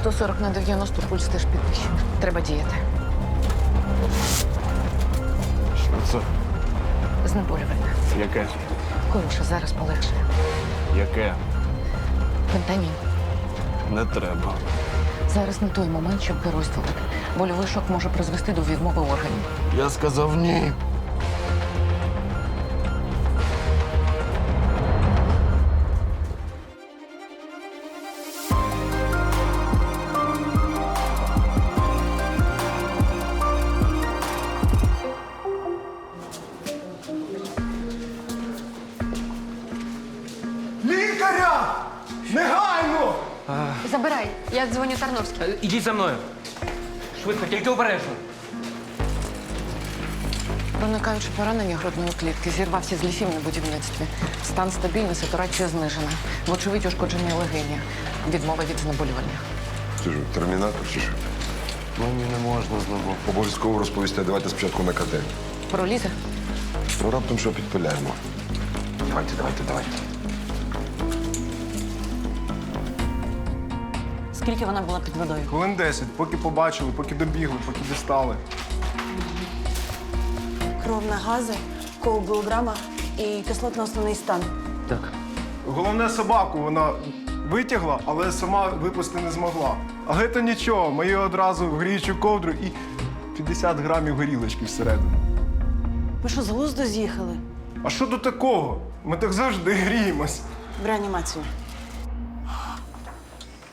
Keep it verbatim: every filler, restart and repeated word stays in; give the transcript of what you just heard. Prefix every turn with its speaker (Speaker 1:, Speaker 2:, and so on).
Speaker 1: сто сорок на дев'яносто, пульс теж підвищений. Треба діяти.
Speaker 2: Що це?
Speaker 1: Знеболювальне.
Speaker 2: Яке?
Speaker 1: Коротше, зараз полегшає.
Speaker 2: Яке?
Speaker 1: Фентанін.
Speaker 2: Не треба.
Speaker 1: Зараз не той момент, щоб геройствувати. Больовий шок може призвести до відмови органів.
Speaker 2: Я сказав ні.
Speaker 3: Лікаря! Негайно!
Speaker 4: Забирай, я дзвоню Тарновській.
Speaker 5: Е, Ідіть за мною. Швидко, тільки обережно.
Speaker 1: Проникаючи поранення грудної клітки, зірвався з лісів на будівництві. Стан стабільний, сатурація знижена. Вочевидь, ушкодження легені. Відмова від знеболювання.
Speaker 6: Ти ж термінатор чи що?
Speaker 2: Мені не можна знову.
Speaker 6: Обов'язково розповісти. Давайте спочатку на КТ.
Speaker 1: Пролізе?
Speaker 6: Ну, раптом що підпиляємо. Давайте, давайте, давайте.
Speaker 1: Скільки вона була під водою?
Speaker 3: Хвилин десять, поки побачили, поки добігли, поки дістали.
Speaker 7: Кров на гази, коагулограма і кислотно-основний стан.
Speaker 5: Так.
Speaker 3: Головне, собаку вона витягла, але сама випусти не змогла. Але то нічого, ми її одразу в гріючу ковдру і п'ятдесят грамів горілочки всередину.
Speaker 7: Ви що, з глузду з'їхали?
Speaker 3: А що до такого? Ми так завжди гріємось.
Speaker 7: В реанімацію.